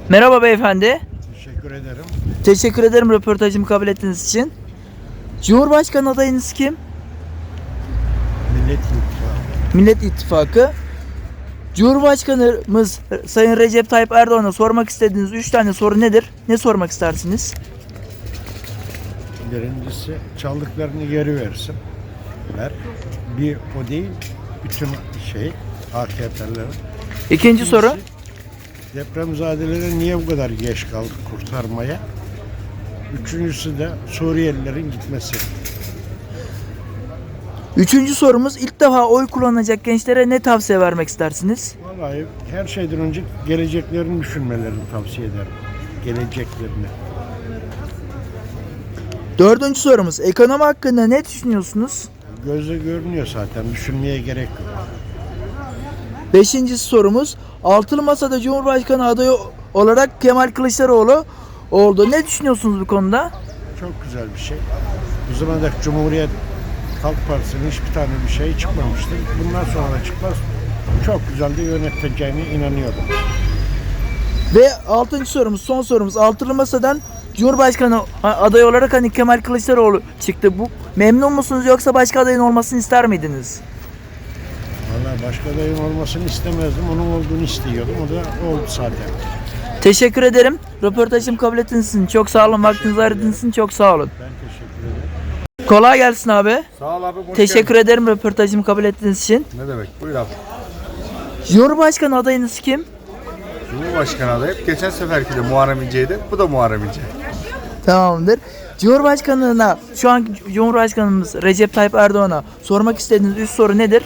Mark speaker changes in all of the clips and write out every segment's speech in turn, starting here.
Speaker 1: Merhaba beyefendi.
Speaker 2: Teşekkür ederim.
Speaker 1: Teşekkür ederim röportajımı kabul ettiğiniz için. Cumhurbaşkanı adayınız kim?
Speaker 2: Millet İttifakı.
Speaker 1: Millet İttifakı. Cumhurbaşkanımız Sayın Recep Tayyip Erdoğan'a sormak istediğiniz 3 tane soru nedir? Ne sormak istersiniz?
Speaker 2: Birincisi çaldıklarını geri versin. Bir o değil, bütün AKP'lerin.
Speaker 1: İkinci soru.
Speaker 2: Depremzadeleri niye bu kadar geç kaldık kurtarmaya? Üçüncüsü de Suriyelilerin gitmesi.
Speaker 1: Üçüncü sorumuz, ilk defa oy kullanacak gençlere ne tavsiye vermek istersiniz?
Speaker 2: Vallahi her şeyden önce geleceklerini düşünmelerini tavsiye ederim. Geleceklerini.
Speaker 1: Dördüncü sorumuz, ekonomi hakkında ne düşünüyorsunuz?
Speaker 2: Gözle görünüyor zaten, düşünmeye gerek yok.
Speaker 1: Beşinci sorumuz, Altılı Masa'da Cumhurbaşkanı adayı olarak Kemal Kılıçdaroğlu oldu. Ne düşünüyorsunuz bu konuda?
Speaker 2: Çok güzel bir şey. Bu zamana dek Cumhuriyet Halk Partisi'nin hiçbir tane bir şey çıkmamıştı. Bundan sonra da çıkmaz. Çok güzel de yöneteceğine inanıyorum.
Speaker 1: Ve altıncı sorumuz, son sorumuz, Altılı Masa'dan Cumhurbaşkanı adayı olarak hani Kemal Kılıçdaroğlu çıktı. Bu memnun musunuz yoksa başka adayın olmasını ister miydiniz?
Speaker 2: Vallahi başka adayın olmasını istemezdim. Onun olduğunu istiyordum. O da oldu zaten.
Speaker 1: Teşekkür ederim. Röportajımı kabul ettiğiniz için çok sağ olun. Vaktinizi ayırdığınız için çok sağ olun.
Speaker 2: Ben teşekkür ederim.
Speaker 1: Kolay gelsin abi.
Speaker 3: Sağ ol abi.
Speaker 1: Teşekkür ederim röportajımı kabul ettiğiniz için.
Speaker 3: Ne demek? Buyur abi.
Speaker 1: Cumhurbaşkanı adayınız kim?
Speaker 3: Cumhurbaşkanı adayı. Geçen seferki de Muharrem İnce'ydi. Bu da Muharrem İnce.
Speaker 1: Tamamdır. Cumhurbaşkanlığına, şu anki Cumhurbaşkanımız Recep Tayyip Erdoğan'a sormak istediğiniz 3 soru nedir?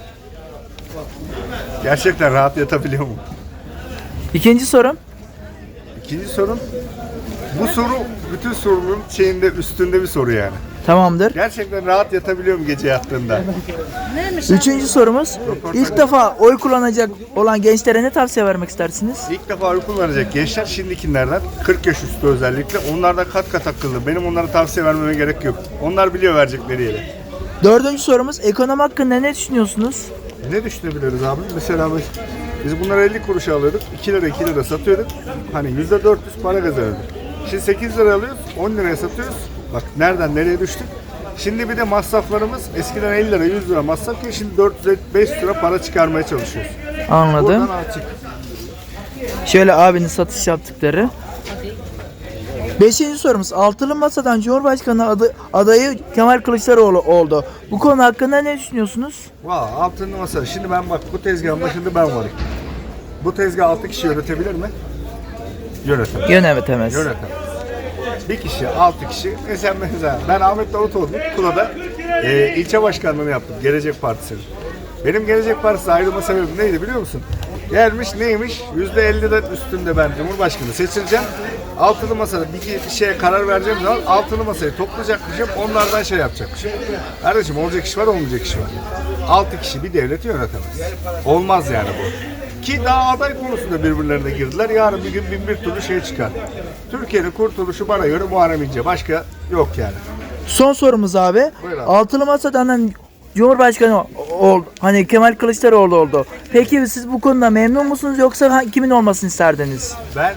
Speaker 3: Gerçekten rahat yatabiliyor mu?
Speaker 1: İkinci sorum.
Speaker 3: İkinci sorun. Bu soru bütün sorunun üstünde bir soru yani.
Speaker 1: Tamamdır.
Speaker 3: Gerçekten rahat yatabiliyor mu gece yattığında?
Speaker 1: Üçüncü sorumuz. İlk defa oy kullanacak olan gençlere ne tavsiye vermek istersiniz?
Speaker 3: İlk defa oy kullanacak gençler şimdikilerden 40 yaş üstü özellikle. Onlar da kat kat akıllı. Benim onlara tavsiye vermeme gerek yok. Onlar biliyor verecekleri yeri.
Speaker 1: Dördüncü sorumuz. Ekonomi hakkında ne düşünüyorsunuz?
Speaker 3: Ne düşünebiliriz abi? Mesela biz bunları 50 kuruşa alıyorduk. 2 lira satıyorduk. Hani %400 para kazanıyorduk. Şimdi 8 lira alıyoruz. 10 liraya satıyoruz. Bak nereden nereye düştük. Şimdi bir de masraflarımız eskiden 50 lira 100 lira masrafken şimdi 400-500 lira para çıkarmaya çalışıyoruz.
Speaker 1: Anladım.
Speaker 3: Buradan açık.
Speaker 1: Şöyle abinin satış yaptıkları. Beşinci sorumuz. Altılı Masa'dan Cumhurbaşkanı adayı Kemal Kılıçdaroğlu oldu. Bu konu hakkında ne düşünüyorsunuz?
Speaker 3: Valla altın masa. Şimdi ben bak bu tezgahın başında ben varım. Bu tezgah 6 kişi yönetebilir mi? Yönetemez.
Speaker 1: Yönetemez.
Speaker 3: Yönetemez. Bir kişi, 6 kişi. Mesela ben Ahmet Davutoğlu Kula'da ilçe başkanlığını yaptım. Gelecek Partisi'nin. Benim Gelecek Partisi ayrılma sebebim neydi biliyor musun? Gelmiş neymiş? %50'den üstünde ben Cumhurbaşkanı seçileceğim. Altılı masada bir şeye karar vereceğim zaman altılı masayı toplayacakmışım. Onlardan şey yapacakmışım. Kardeşim olacak iş var olmayacak iş var. 6 kişi bir devleti yönetemez. Olmaz yani bu. Ki daha aday konusunda birbirlerine girdiler. Yarın bir gün bin bir türlü şey çıkar. Türkiye'nin kurtuluşu bana göre Muharrem İnce. Başka yok yani.
Speaker 1: Son sorumuz abi.
Speaker 3: Buyur abi.
Speaker 1: Altılı Masa'dan Cumhurbaşkanı oldu. Hani Kemal Kılıçdaroğlu oldu. Peki siz bu konuda memnun musunuz yoksa kimin olmasını isterdiniz?
Speaker 3: Ben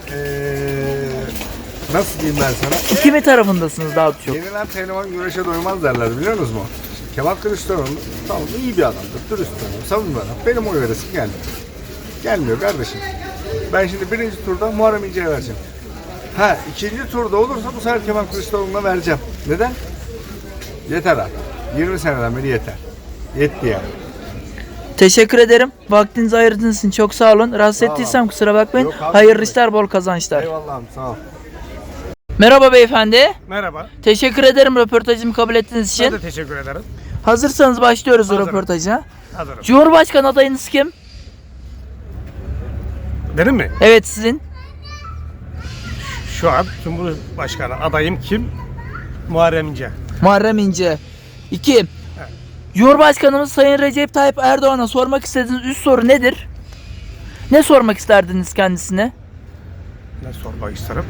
Speaker 3: nasıl diyeyim ben sana?
Speaker 1: Kimin tarafındasınız daha çok?
Speaker 3: Yenilen pehlivan güreşe doymaz derler biliyor musunuz mu? Kemal Kılıçdaroğlu tamam iyi bir adamdır. Dürüst bir adam. Samimi bir adam. Benim oy veresim gelmiyor. Gelmiyor kardeşim. Ben şimdi birinci turda Muharrem İnce'ye vereceğim. İkinci turda olursa bu sefer Kemal Kılıçdaroğlu'na vereceğim. Neden? Yeter artık. 20 seneden beri yeter. Yetti yani.
Speaker 1: Teşekkür ederim. Vaktinizi ayırdığınız için çok sağ olun. Rahatsız ettiysem kusura bakmayın.
Speaker 3: Yok abi,
Speaker 1: Hayırlı işler, bol kazançlar.
Speaker 3: Eyvallah abi, sağ ol.
Speaker 1: Merhaba beyefendi.
Speaker 4: Merhaba.
Speaker 1: Teşekkür ederim röportajımı kabul ettiğiniz
Speaker 4: Ben
Speaker 1: için.
Speaker 4: de teşekkür ederim.
Speaker 1: Hazırsanız başlıyoruz
Speaker 4: Hazırım.
Speaker 1: röportaja.
Speaker 4: Hazırım.
Speaker 1: Cumhurbaşkanı adayınız kim?
Speaker 4: Benim mi?
Speaker 1: Evet, sizin.
Speaker 4: Şu an Cumhurbaşkanı adayım kim? Muharrem İnce.
Speaker 1: Muharrem İnce. 2. Cumhurbaşkanımız Sayın Recep Tayyip Erdoğan'a sormak istediğiniz 3 soru nedir? Ne sormak isterdiniz kendisine?
Speaker 4: Ne sormak isterim?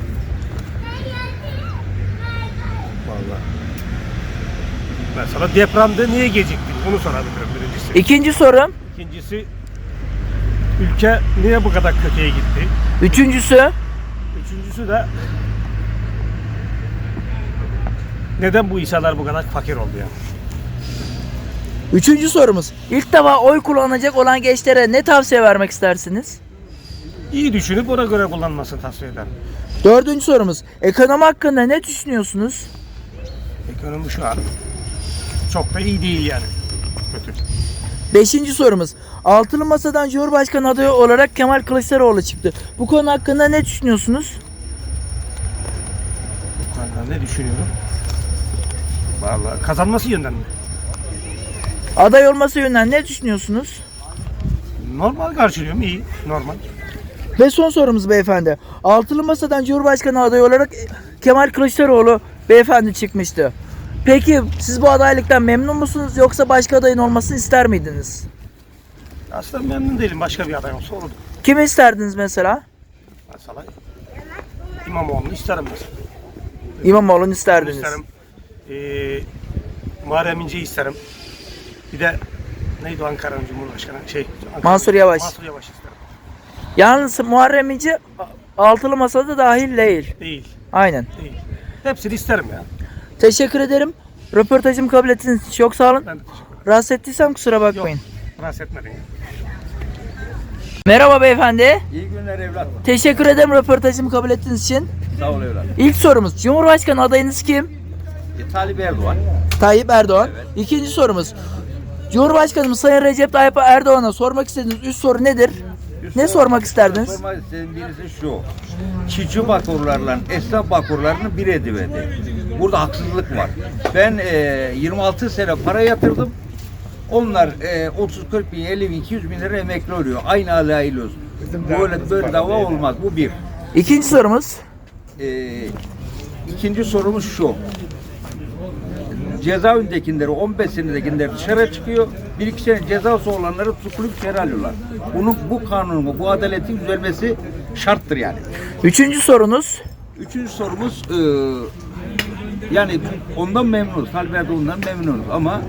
Speaker 4: Vallahi. Mesela depremde niye geciktin? Bunu sorabilirim birincisi.
Speaker 1: İkinci sorum.
Speaker 4: İkincisi ülke niye bu kadar kötüye gitti?
Speaker 1: Üçüncüsü.
Speaker 4: Üçüncüsü de neden bu insanlar bu kadar fakir oldu ya?
Speaker 1: Üçüncü sorumuz. İlk defa oy kullanacak olan gençlere ne tavsiye vermek istersiniz?
Speaker 4: İyi düşünüp ona göre kullanmasını tavsiye ederim.
Speaker 1: Dördüncü sorumuz. Ekonomi hakkında ne düşünüyorsunuz?
Speaker 4: Ekonomi şu an çok da iyi değil yani. Kötü.
Speaker 1: Beşinci sorumuz. Altılı Masa'dan Cumhurbaşkanı adayı olarak Kemal Kılıçdaroğlu çıktı. Bu konu hakkında ne düşünüyorsunuz?
Speaker 4: Ben ne düşünüyorum? Vallahi kazanması yönden mi?
Speaker 1: Aday olması yönünden ne düşünüyorsunuz?
Speaker 4: Normal karşılıyorum, iyi, normal.
Speaker 1: Ve son sorumuz beyefendi. Altılı Masa'dan Cumhurbaşkanı adayı olarak Kemal Kılıçdaroğlu beyefendi çıkmıştı. Peki siz bu adaylıktan memnun musunuz yoksa başka adayın olmasını ister miydiniz?
Speaker 4: Aslında memnun değilim, başka bir aday olsa olurdu.
Speaker 1: Kimi isterdiniz mesela?
Speaker 4: Mesela İmamoğlu'nu isterim mesela.
Speaker 1: İmamoğlu'nu isterdiniz.
Speaker 4: İsterim. Muharrem İnce'yi isterim. Bir de neydi o Ankara'nın Cumhurbaşkanı?
Speaker 1: Mansur Yavaş.
Speaker 4: Mansur Yavaş isterim.
Speaker 1: Yalnız Muharrem İnce Altılı Masa'da dahil değil.
Speaker 4: Değil,
Speaker 1: Aynen.
Speaker 4: değil. Hepsini isterim ya.
Speaker 1: Teşekkür ederim. Röportajımı kabul ettiğiniz için çok sağ olun.
Speaker 4: Ben de teşekkür ederim.
Speaker 1: Rahatsız ettiysem kusura bakmayın.
Speaker 4: Rahatsız etmedin ya.
Speaker 1: Merhaba beyefendi.
Speaker 5: İyi günler evlat.
Speaker 1: Teşekkür ederim röportajımı kabul ettiğiniz için.
Speaker 5: Sağ ol evlat.
Speaker 1: İlk sorumuz. Cumhurbaşkanı adayınız kim?
Speaker 5: Talip Erdoğan.
Speaker 1: Tayyip Erdoğan. İkinci sorumuz. Cumhurbaşkanımız Sayın Recep Tayyip Erdoğan'a sormak istediğiniz üst soru nedir? Ne sormak isterdiniz?
Speaker 5: Sormak istediğim birisi şu. Çiftçi bakurlarla esnaf bakurlarını bir ediverdi. Burada haksızlık var. Ben 26 sene para yatırdım. Onlar 30-40 bin, 50 bin, 200 bin lira emekli oluyor. Aynı alaylı olsun. Böyle dava olmaz. Bu bir.
Speaker 1: İkinci sorumuz.
Speaker 5: İkinci sorumuz şu. Cezaevindekileri 15 senedekiler dışarı çıkıyor. 1-2 sene cezası olanları tutuklayıp içeri alıyorlar. Bu kanunun, bu adaletin düzelmesi şarttır yani.
Speaker 1: Üçüncü sorunuz.
Speaker 5: Üçüncü sorumuz yani ondan memnunuz. Talip Erdoğan'dan memnunuz ama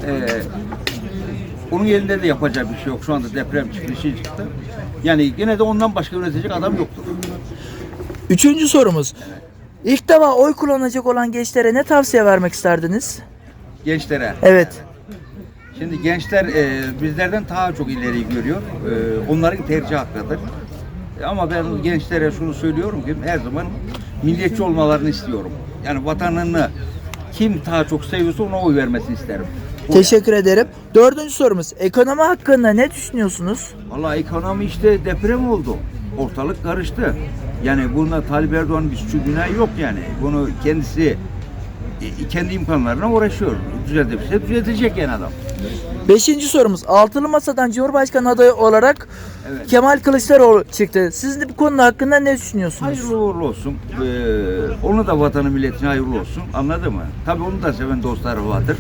Speaker 5: onun elinde de yapacak bir şey yok. Şu anda deprem çıktı, şey çıktı. Yani yine de ondan başka yönetecek adam yoktur.
Speaker 1: Üçüncü sorumuz. İlk defa oy kullanacak olan gençlere ne tavsiye vermek isterdiniz?
Speaker 5: Gençlere.
Speaker 1: Evet.
Speaker 5: Şimdi gençler bizlerden daha çok ileri görüyor. Onların tercih hakkıdır. Ama ben gençlere şunu söylüyorum ki her zaman milliyetçi olmalarını istiyorum. Yani vatanını kim daha çok seviyorsa ona oy vermesini isterim.
Speaker 1: Teşekkür ederim. Dördüncü sorumuz. Ekonomi hakkında ne düşünüyorsunuz?
Speaker 5: Vallahi ekonomi işte deprem oldu. Ortalık karıştı. Yani bunda Talip Erdoğan'ın bir suçu günahı yok yani. Bunu kendisi kendi imkanlarına uğraşıyor. Düzeltebilirse düzeltecek yani adam.
Speaker 1: Beşinci sorumuz. Altılı Masa'dan Cumhurbaşkanı adayı olarak
Speaker 5: Evet.
Speaker 1: Kemal Kılıçdaroğlu çıktı. Siz de bu konu hakkında ne düşünüyorsunuz?
Speaker 5: Hayırlı uğurlu olsun. Onu da vatanı milletine hayırlı olsun. Anladın mı? Tabii onu da seven dostları vardır.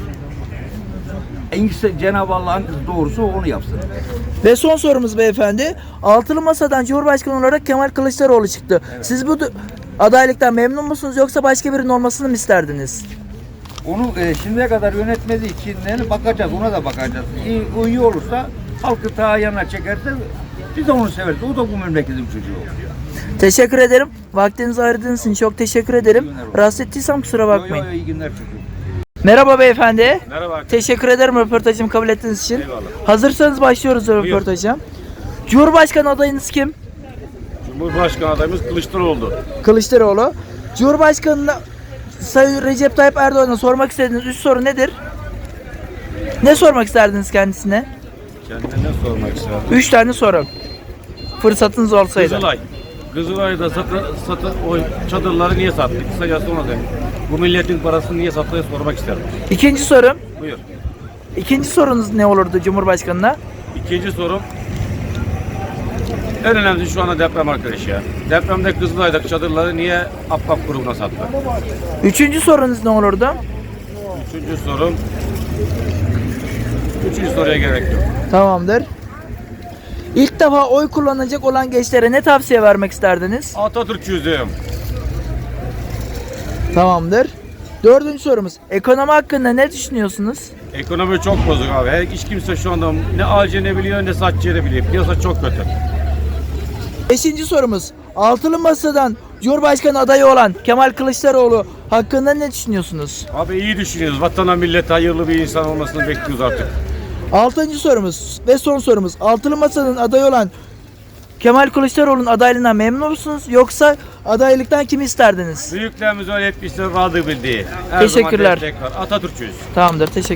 Speaker 5: En iyisi Cenab-ı Allah'ın doğrusu onu yapsın.
Speaker 1: Ve son sorumuz beyefendi. Altılı Masa'dan Cumhurbaşkanı olarak Kemal Kılıçdaroğlu çıktı. Siz bu adaylıktan memnun musunuz yoksa başka birinin olmasını mı isterdiniz?
Speaker 5: Onu şimdiye kadar yönetmediği için bakacağız, ona da bakacağız. İyi olursa halkı ta yanına çekerse biz de onu severiz. O da bu memleketin çocuğu.
Speaker 1: Teşekkür ederim. Vaktinizi ayırdığınız için çok teşekkür ederim. Rahatsız ettiysem kusura bakmayın.
Speaker 5: İyi günler çocuğum.
Speaker 1: Merhaba beyefendi.
Speaker 4: Merhaba.
Speaker 1: Teşekkür ederim röportajımı kabul ettiğiniz için.
Speaker 4: Eyvallah.
Speaker 1: Hazırsanız başlıyoruz röportaja. Cumhurbaşkanı adayınız kim?
Speaker 4: Cumhurbaşkanı adayımız Kılıçdaroğlu.
Speaker 1: Kılıçdaroğlu. Cumhurbaşkanı'na Sayın Recep Tayyip Erdoğan'a sormak istediğiniz üst soru nedir? Ne sormak isterdiniz kendisine?
Speaker 6: Kendine sormak isterdim.
Speaker 1: 3 tane soru. Fırsatınız olsaydı.
Speaker 6: Kızılay'da o çadırları niye sattık? Kısacası ona dedim. Bu milletin parasını niye sattığını sormak isterim.
Speaker 1: İkinci sorum.
Speaker 6: Buyur.
Speaker 1: İkinci sorunuz ne olurdu Cumhurbaşkanı'na?
Speaker 6: İkinci sorum. En önemlisi şu anda deprem arkadaş ya. Depremde Kızılay'daki çadırları niye Affak grubuna sattı?
Speaker 1: Üçüncü sorunuz ne olurdu?
Speaker 6: Üçüncü soruya gerek yok.
Speaker 1: Tamamdır. İlk defa oy kullanacak olan gençlere ne tavsiye vermek isterdiniz?
Speaker 6: Atatürkçüyüm.
Speaker 1: Tamamdır. Dördüncü sorumuz. Ekonomi hakkında ne düşünüyorsunuz?
Speaker 6: Ekonomi çok bozuk abi. Hiç kimse şu anda ne alacağını biliyor ne satacağını biliyor. Piyasa çok kötü.
Speaker 1: Beşinci sorumuz. Altılı Masa'dan Cumhurbaşkanı adayı olan Kemal Kılıçdaroğlu hakkında ne düşünüyorsunuz?
Speaker 6: Abi iyi düşünüyoruz. Vatana millete hayırlı bir insan olmasını bekliyoruz artık.
Speaker 1: 6. sorumuz ve son sorumuz. Altılı Masa'nın adayı olan Kemal Kılıçdaroğlu'nun adaylığından memnun musunuz? Yoksa adaylıktan kimi isterdiniz?
Speaker 6: Büyüklerimiz öyle etmişler, razı bildiği. Her
Speaker 1: Teşekkürler.
Speaker 6: zaman destek var. Atatürkçüyüz.
Speaker 1: Tamamdır. Teşekkür